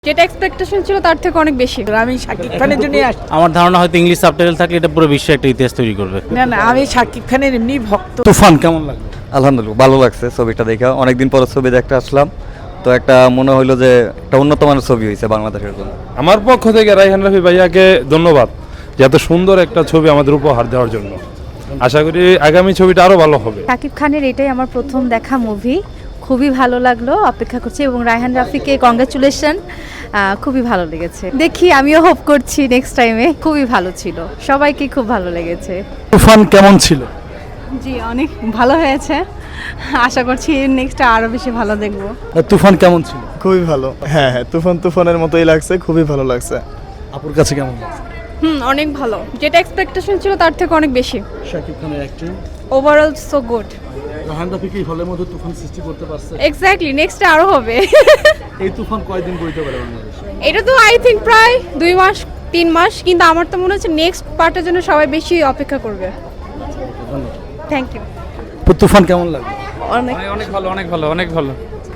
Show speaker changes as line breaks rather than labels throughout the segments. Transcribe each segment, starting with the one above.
যেটা এক্সপেকটেশন ছিল তার থেকে অনেক বেশি।
আমি শাকিব খানের জন্য আসছি।
আমার ধারণা হয়তো ইংলিশ সাবটাইটেল থাকলে এটা পুরো বিশ্বে একটা ইতিহাস তৈরি করবে।
না আমি শাকিব খানের এমনি ভক্ত।
তুফান কেমন লাগলো? আলহামদুলিল্লাহ ভালো লাগছে ছবিটা দেখে, অনেকদিন পর ছবি দেখতে আসলাম, তো একটা মনে হইলো যে একটা উন্নত মানের ছবি হয়েছে বাংলাদেশের জন্য।
আমার পক্ষ থেকে রায়হান রাফি ভাইয়াকে ধন্যবাদ যে এত সুন্দর একটা ছবি আমাদের উপহার দেওয়ার জন্য। আশা করি আগামী ছবিটা আরো ভালো হবে।
শাকিব খানের এটাই আমার প্রথম দেখা মুভি, খুবই ভালো লাগলো, অপেক্ষা করছি এবং রায়হান রাফিকে কংগ্রাচুলেশন, খুবই ভালো লেগেছে। দেখি আমিও হোপ করছি নেক্সট টাইমে। খুবই ভালো ছিল, সবাইকে খুব ভালো লেগেছে।
তুফান কেমন ছিল?
জি অনেক ভালো হয়েছে, আশা করছি নেক্সটটা আরো বেশি ভালো দেখবো।
তুফান কেমন ছিল?
খুবই ভালো। হ্যাঁ তুফানের মতোই লাগছে, খুবই ভালো লাগছে।
আপুর কাছে কেমন লাগছে?
অনেক ভালো, যেটা এক্সপেকটেশন ছিল তার থেকে অনেক বেশি।
শাকিব খানের acting,
overall so good.
Raihan Rafi কি হলের মধ্যে তুফান সৃষ্টি করতে পারছে?
এক্স্যাক্টলি, নেক্সটটা আরো হবে।
এই তুফান কয়দিন বইতে পারে বাংলাদেশে?
এটা তো আই থিঙ্ক প্রায় 2 মাস 3 মাস, কিন্তু আমার তো মনে হচ্ছে নেক্সট পার্টের জন্য সবাই বেশি অপেক্ষা করবে। Thank you.
তুফান কেমন লাগলো?
অনেক ভালো, অনেক ভালো, অনেক ভালো।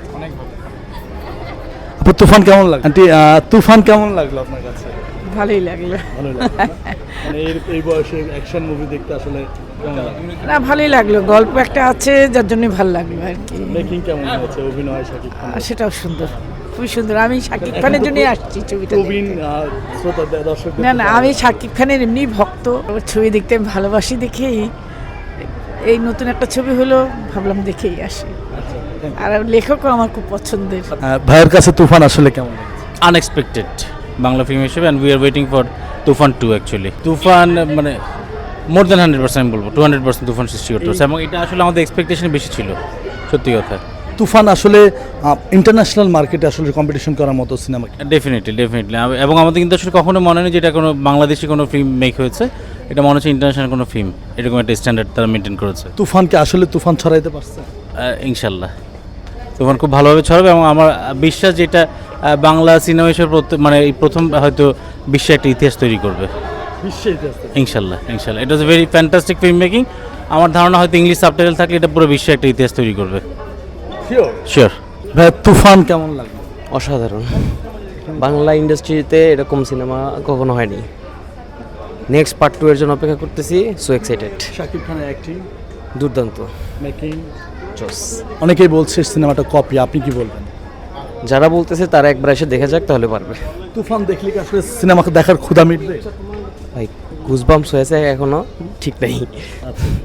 আপু তুফান কেমন লাগলো? আন্টি তুফান কেমন লাগলো আপনার কাছে?
ভালোই লাগলো।
ভালো লাগলো না? মানে এই বয়সে অ্যাকশন মুভি দেখতে আসলে কেমন লাগলো?
না ভালোই লাগলো, গল্প একটা আছে যার জন্য ভালো লাগলো আর কি।
মেকিং কেমন হয়েছে, অভিনয় শাকিব খান?
আর সেটাও সুন্দর, খুবই সুন্দর। আমি শাকিব খানের জন্য আসছি ছবিটা দেখতে।
প্রবীণ শ্রোতা দর্শক।
না আমি শাকিব খানের এমনি ভক্ত, ওর ছবি দেখতে আমি ভালোবাসি দেখেই এই নতুন একটা ছবি হলো, ভাবলাম দেখেই আসি। আর লেখকও আমার খুব পছন্দের।
ভাইয়ের কাছে তুফান আসলে কেমন লাগছে?
আনএক্সপেক্টেড বাংলা ফিল্ম হিসেবে, and we are waiting for Toofan 2 actually. Toofan মানে মোর দ্যান 100% আমি বলবো, 200% তুফান সৃষ্টি করতে পারছে, এবং এটা আসলে আমাদের এক্সপেকটেশন বেশি ছিল, সত্যি কথা।
তুফান আসলে ইন্টারন্যাশনাল মার্কেটে আসলে কম্পিটিশন করার মতো সিনেমা।
ডেফিনেটলি এবং আমাদের কিন্তু আসলে কখনো মনে নেই যে এটা কোনো বাংলাদেশি কোনো ফিল্ম মেক হয়েছে, এটা মনে হচ্ছে ইন্টারন্যাশনাল কোনো ফিল্ম, এরকম একটা স্ট্যান্ডার্ড তারা মেনটেন করেছে।
তুফানকে আসলে তুফান ছড়াইতে পারছে
ইনশাল্লাহ তুফান খুব ভালোভাবে ছড়াবে, এবং আমার বিশ্বাস যেটা বাংলা সিনেমা হিসেবে মানে এই প্রথম হয়তো বিশ্বে একটা ইতিহাস তৈরি করবে। ইনশাল্লাহ it was very fantastic film making. আমার ধারণা হয়তো ইংলিশ সাবটাইটেল থাকলে এটা পুরো বিশ্বে একটা ইতিহাস তৈরি করবে। শিওর।
ভাই তুফান কেমন লাগলো?
অসাধারণ। বাংলা ইন্ডাস্ট্রিতে এরকম সিনেমা কখনো হয়নি। নেক্সট পার্ট 2 এর জন্য অপেক্ষা করতেছি। So excited.
শাকিব খানের অ্যাক্টিং
দুর্দান্ত,
মেকিং
জোস।
অনেকেই বলছে সিনেমাটা কপি, আপনি কি বলবেন?
যারা বলতেছে তারা একবার এসে দেখে যাক, তাহলে পারবে।
তুফান দেখলে কি আসলে সিনেমাকে দেখার ক্ষুধা মিটবে?
ভাই গুজবাম্পস হয়েছে, এখনো ঠিক নেই।